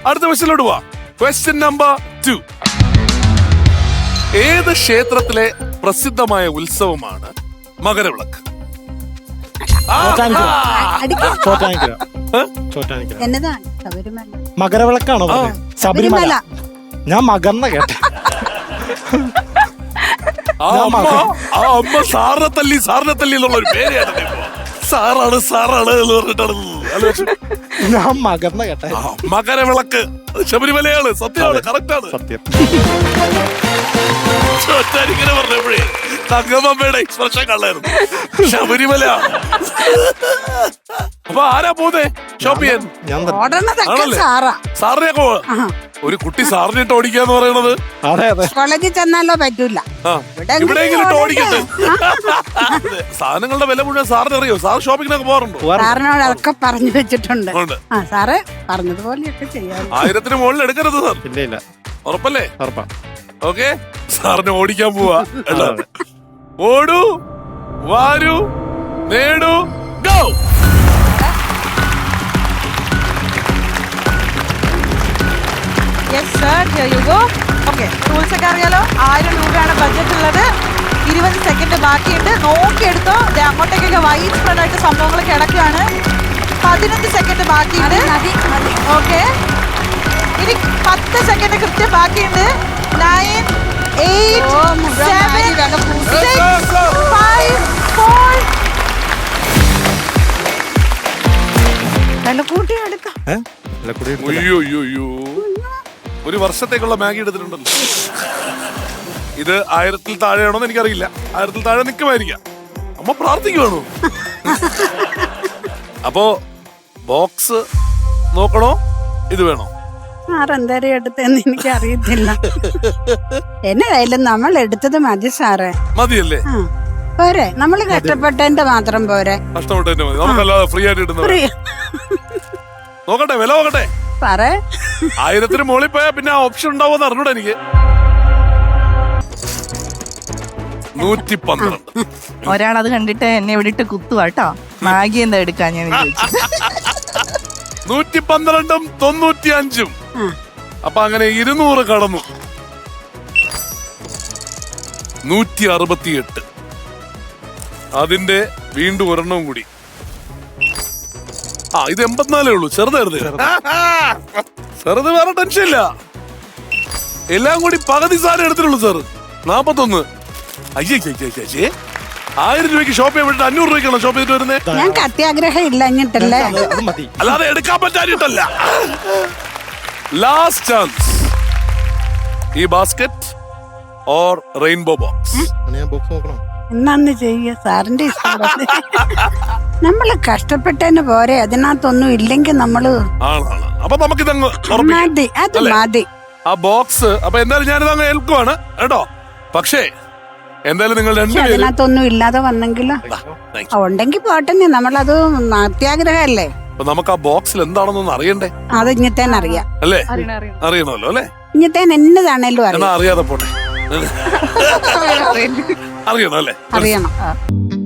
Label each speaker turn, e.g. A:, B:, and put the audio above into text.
A: അടുത്ത ക്വസ്റ്റ്യനിലോട്ട് പോവാം. Question number 2. ഏത് ക്ഷേത്രത്തിലെ പ്രസിദ്ധമായ ഉത്സവമാണ് മകരവിളക്ക്?
B: എന്നതാണ് ശബരിമല?
C: മകരവിളക്കാണോ പറഞ്ഞത്? ശബരിമല. ഞാൻ മകർന്ന കേട്ടെ.
A: ആ അമ്മ സാറിനെ തല്ലി എന്നുള്ള ഒരു പേര് കേട്ടത്. സാറാണ് എന്ന് പറഞ്ഞിട്ടാണ്
C: ഞാൻ മകർന്ന കേട്ടെ.
A: മകരവിളക്ക് ശബരിമലയാണ്. സത്യമാണ്, കറക്റ്റാണ്.
C: സത്യം.
A: ചോറ്റാനിക്കനെ പറഞ്ഞപ്പോഴേ തങ്കമ്മയുടെ എക്സ്പ്രഷൻ കള്ളായിരുന്നു. ശബരിമല. അപ്പൊ ആരാ പോന്നെ ഷോപ്പ് ചെയ്യാൻ? സാറിനെയൊക്കെ ഒരു കുട്ടി സാറിനിട്ട് ഓടിക്കാന്ന് പറയണത്.
C: അതെ അതെ.
B: കോളേജിൽ ചെന്നാലോ പറ്റൂല,
A: എവിടെയെങ്കിലും ഇട്ട് ഓടിക്കട്ടെ. സാധനങ്ങളുടെ വില മുഴുവൻ സാറിന് അറിയോ? സാർ ഷോപ്പിങ്ങിനൊക്കെ പോകാറുണ്ടോ?
B: സാറിനോട് അതൊക്കെ പറഞ്ഞു വെച്ചിട്ടുണ്ട്. സാറ് പറഞ്ഞതുപോലെയൊക്കെ ചെയ്യാം.
A: 1000 മുകളിൽ എടുക്കരുത് സാർ.
C: ഇല്ല.
A: ഉറപ്പല്ലേ?
C: ഉറപ്പാ.
A: ഓക്കെ, സാറിന് ഓടിക്കാൻ പോവാ. ഓടൂ, വാരൂ, നേടൂ, ഗോ.
D: റൂൾസ് ഒക്കെ അറിയാലോ. 1000 രൂപയാണ് ബഡ്ജറ്റ് ഉള്ളത്. 20 സെക്കൻഡ് ബാക്കിയുണ്ട്. നോക്കിയെടുത്തോ. അങ്ങോട്ടേക്കൊക്കെ വൈഡ് സ്പ്രെഡ് ആയിട്ട് സംഭവങ്ങൾ കിടക്കുകയാണ്. 15 സെക്കൻഡ് ബാക്കിയുണ്ട്. ഓക്കെ, ഇനി 10 സെക്കൻഡ് കൃത്യം ബാക്കിയുണ്ട്. 9, 8, 7, 6, 5, 4.
B: വിലക്കൂട്ടി എടുക്കാം.
A: അയ്യോ, ഒരു വർഷത്തേക്കുള്ള മാഗി എടുത്തിട്ടുണ്ടല്ലോ. ഇത് 1000 താഴെയാണോന്ന് എനിക്കറിയില്ല. 1000 താഴെ നിൽക്കുമായിരിക്കാം. അമ്മ പ്രാർത്ഥിക്കുവാണോ? അപ്പോ ബോക്സ് നോക്കണോ, ഇത് വേണോ?
B: സാറെന്തേരം എടുത്തെന്ന് എനിക്ക് അറിയത്തില്ല. എന്നായാലും നമ്മൾ എടുത്തത് മതി സാറേ.
A: മതിയല്ലേ?
B: പോരെ, നമ്മള് കഷ്ടപ്പെട്ടതിന്റെ മാത്രം പോരെ.
A: കഷ്ടപ്പെട്ടതിന്റെ മതി, നമുക്കല്ലാതെ ഫ്രീ ആയിട്ട് ഇടുന്നത്. നോക്കട്ടെ, വില നോക്കട്ടെ
B: സാറേ.
A: 1000 മുകളിൽ പോയാ പിന്നെ ഓപ്ഷൻ ഉണ്ടാവുമെന്ന് അറിഞ്ഞൂടാ എനിക്ക്. 112.
D: ഒരാളത് കണ്ടിട്ട് എന്നെ വിളിട്ട് കുത്തുവാട്ടോ. മാഗി എന്താ എടുക്കാൻ ഞാൻ
A: 112ഉം 95ഉം. അപ്പൊ അങ്ങനെ 200 കടന്നു. 168. അതിന്റെ വീണ്ടും ഒരെണ്ണവും കൂടി. ഇത് 84 ഉള്ളൂ. ചെറുതായിരുന്നു. ചെറുത് വേറെ ടെൻഷൻ ഇല്ല. എല്ലാം കൂടി പകുതി സാധനം എടുത്തിട്ടുള്ളൂ സാർ. 41. അയ്യേ 1000 രൂപയ്ക്ക് ഷോപ്പ് ചെയ്യാൻ വേണ്ടിട്ട് 500 രൂപയ്ക്കാണോ ഷോപ്പ് ചെയ്തിട്ട് വരുന്നത്?
B: ഞങ്ങൾക്ക് അത്യാഗ്രഹം ഇല്ല എന്നിട്ടല്ലേ.
A: അല്ലാതെ എടുക്കാൻ പറ്റാനിട്ടല്ല. Last chance. ഈ ബാസ്കറ്റ് ഓർ റെയിൻബോ ബോക്സ്.
B: എന്നാന്ന് ചെയ്യ സാറിന്റെ ഇഷ്ടം. നമ്മള് കഷ്ടപ്പെട്ടതിന് പോരെ, അതിനകത്തൊന്നും ഇല്ലെങ്കിൽ നമ്മള്
A: അപ്പൊ നമുക്കിതങ്ങ്
B: മതി. അത് മതി
A: ആ ബോക്സ്. അപ്പൊ എന്തായാലും ഞാനിത് അങ്ങ് ഏൽക്കുവാണ് കേട്ടോ. പക്ഷേ എന്തായാലും നിങ്ങൾ രണ്ടുപേരും
B: അതിനകത്തൊന്നും ഇല്ലാതെ വന്നെങ്കിലോ ഉണ്ടെങ്കിൽ പോട്ടെ. നമ്മളത് അത്യാഗ്രഹല്ലേ.
A: അപ്പൊ നമുക്ക് ആ ബോക്സിൽ എന്താണെന്നൊന്ന് അറിയണ്ടേ?
B: അത് ഇങ്ങത്തേനെ അറിയാം
A: അല്ലേ? അറിയണമല്ലോ അല്ലേ?
B: ഇങ്ങത്തേനെ എന്നതാണേലും
A: അറിയാതെ പോട്ടെ. അറിയണം അല്ലേ?
B: അറിയണം.